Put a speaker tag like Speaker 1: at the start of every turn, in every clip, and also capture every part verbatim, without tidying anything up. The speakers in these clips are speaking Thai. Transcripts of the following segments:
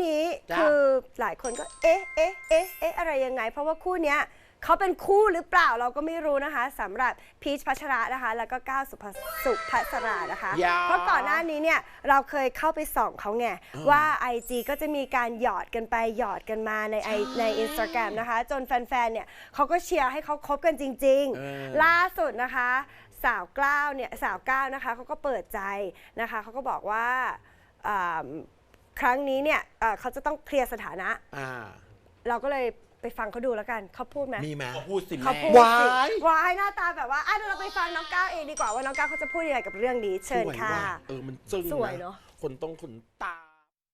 Speaker 1: นี้คือหลายคนก็เอ๊ะเอ๊ะเอ๊ะเอ๊ะอะไรยังไงเพราะว่าคู่เนี้ยเขาเป็นคู่หรือเปล่าเราก็ไม่รู้นะคะสำหรับพีชพัชระนะคะแล้วก็ก้าวสุภสุภัสรานะคะเพราะก่อนหน้านี้เนี่ยเราเคยเข้าไปส่องเขาไงว่า ไอ จี ก็จะมีการหยอดกันไปหยอดกันมาในใน อินสตาแกรม นะคะจนแฟนๆเนี่ยเขาก็เชียร์ให้เขาคบกันจริงๆล่าสุดนะคะสาวกล้าวเนี่ยสาวก้าวนะคะเขาก็เปิดใจนะคะเขาก็บอกว่าครั้งนี้เนี่ยเขาจะต้องเคลียร์สถานะเราก็เลยไปฟังเขาดูแล้วกันเขาพูดไหม
Speaker 2: มีไหม
Speaker 3: เขาพูดสิแม่
Speaker 1: วายวายหน้าตาแบบว่าอ่ะเดี๋ยวเราไปฟังน้องก้าวเองดีกว่าว่าน้องก้าวเขาจะพูดยังไงกับเรื่องนี้เชิญค่ะ
Speaker 2: เออมันจึ้ง
Speaker 1: สวยเนาะ
Speaker 2: คนต้องขนตา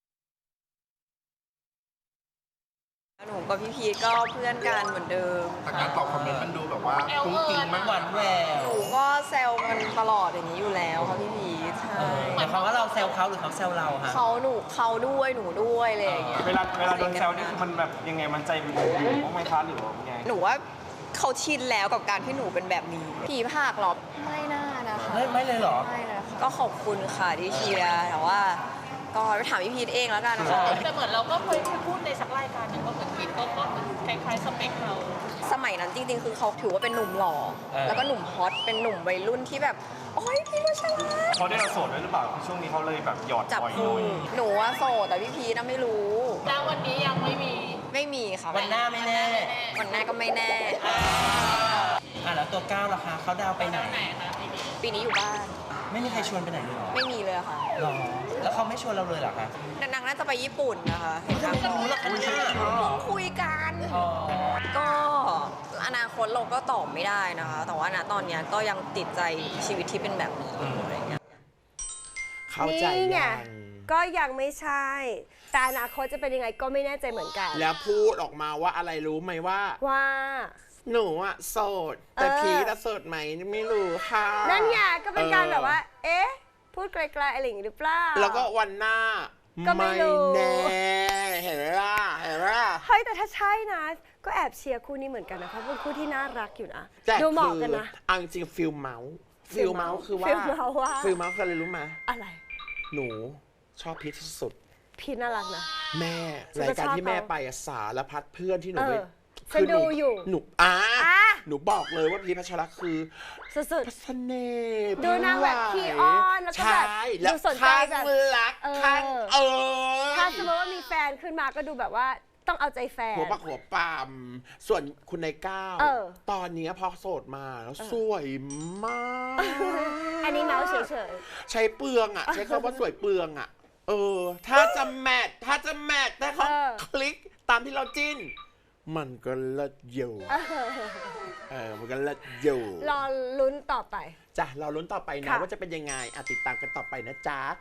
Speaker 4: หนูกับพี่พีทก็เพื่อนกันเหมือนเดิม
Speaker 3: แต่การตอบคอมเมนต์มันดูแบบว่าคุ้งจริงมาก
Speaker 5: หวานแหวว
Speaker 4: หนูก็แซวกันตลอดอย่างนี้อยู่แล้วค่ะพี่พีทใช่
Speaker 5: หมายความว่าเราแซวเขาหรือเขาแซวเราคะ
Speaker 4: เขาหนูเขาด้วยหนูด้วยอะไรอย่างเงี้ย
Speaker 3: เวลาเวลาโดนแซวนี่คือมันแบบยังไงมันใจมันอยู่บ้างไหมคะหรือว่าไง
Speaker 4: หนูว่าเขาชินแล้วกับการที่หนูเป็นแบบนี้ผีผากหรอไม่น่านะคะ
Speaker 5: ไม่ไม่เลยหรอ
Speaker 4: ไม่เลยก็ขอบคุณค่ะที่เชียร์แต่ว่าก็ไปถามพี่พีทเองแล้วกันค่ะ
Speaker 6: แต่เหมือนเราก็เคยพูดในสักรายการหนึ่งว่าเหมือนพีทก็คล้ายๆสเปคเรา
Speaker 4: สมัยนั้นจริงๆคือเขาถือว่าเป็นหนุ่มหล่อแล้วก็หนุ่มฮอตเป็นหนุ่มวัยรุ่นที่แบบโอ๊ยพี่ว่าฉลาด
Speaker 3: เขาได้เราโสดด้วยหรือเปล่าช่วงนี้เขาเลยแบบหยอด
Speaker 4: จับคู่หนูว่าโสดแต่พี่พีทน่ะไม่รู้
Speaker 6: แล้ววันนี้ยังไม่มี
Speaker 4: ไม่มีค่ะ
Speaker 5: วันหน้าไม่แน่
Speaker 4: วันหน้าก็ไม่แน่
Speaker 5: อ่ะแล้วตัวก้าวล่ะคะเขาดาวไปไหน
Speaker 4: ปีนี้อยู่บ้าน
Speaker 5: ไม่มีใครชวนไปไหนเลยหรอ
Speaker 4: ไม่มีเลยค่ะ
Speaker 5: หรอแล้วเขาไม่ชวนเราเลยหรอคะ
Speaker 4: นางน่าจะไปญี่ปุ่นนะคะเห็น
Speaker 5: เขารู้แล้วกันเนี่ย
Speaker 4: คุยกันก็อนาคตเราก็ตอบไม่ได้นะคะแต่ว่าณตอนนี้ก็ยังติดใจชีวิตที่เป็นแบบนี้อะไรเงี้ย
Speaker 2: เข้าใจยัง
Speaker 1: ก็ยังไม่ใช่แต่อนาคตจะเป็นยังไงก็ไม่แน่ใจเหมือนกัน
Speaker 2: แล้วพูดออกมาว่าอะไรรู้ไหมว่า
Speaker 1: ว่า
Speaker 2: หนูอะโสดแต่พีทโสดไหมไม่รู้ค่ะ
Speaker 1: นั่นไงก็เป็นการแบบว่าเอ๊ะพูดไกลๆอะไรอย่างนี้หรือเปล่า
Speaker 2: แล้วก็วันหน้า
Speaker 1: ก็ไม่รู้
Speaker 2: แน่เห็นไหมล่ะเห็นไหมล่ะ
Speaker 1: เฮ้ยแต่ถ้าใช่นะก็แอบเชียร์คู่นี้เหมือนกันนะเพราะเป็นคู่ที่น่ารักอยู่นะดูเหมาะกันนะ
Speaker 2: อังจริงฟิลเมาส์ฟิลเมาส์คือว่าฟิลเมาส์ว่าฟิลเมาส์คืออะไรรู้ไหม
Speaker 1: อะไร
Speaker 2: หนูชอบพีทที่สุด
Speaker 1: พีทน่ารักนะ
Speaker 2: แม่รายการที่แม่ไปสารพัดเพื่อนที่หนูไป
Speaker 1: คือดูอยู่
Speaker 2: หนูอ่าหนูบอกเลยว่าพีทพัชระคือ
Speaker 1: สุด
Speaker 2: ๆเสน่ห์
Speaker 1: ดูนางแบบขี้อ้อนแล้วก็แบบดูสนใจแบบ
Speaker 2: รักข้างเออ
Speaker 1: ถ้าสมมติว่ามีแฟนขึ้นมาก็ดูแบบว่าต้องเอาใจแฟน
Speaker 2: หัวปักหัวปามส่วนคุณนายก้าวตอนนี้พอโสดมาแล้วสวยมาก
Speaker 1: อันนี้เมาส์เฉย
Speaker 2: ๆใช้เปลืองอ่ะใช้คำว่าสวยเปลืองอ่ะเออถ้าจะแมทถ้าจะแมทแต่เขาคลิกตามที่เราจิ้นมันก็เลิศอยู่เออมันก็เลิศอยู่
Speaker 1: รอลุ้นต่อไป
Speaker 2: จ้ะรอลุ้นต่อไปนะว่าจะเป็นยังไงติดตามกันต่อไปนะจ๊ะ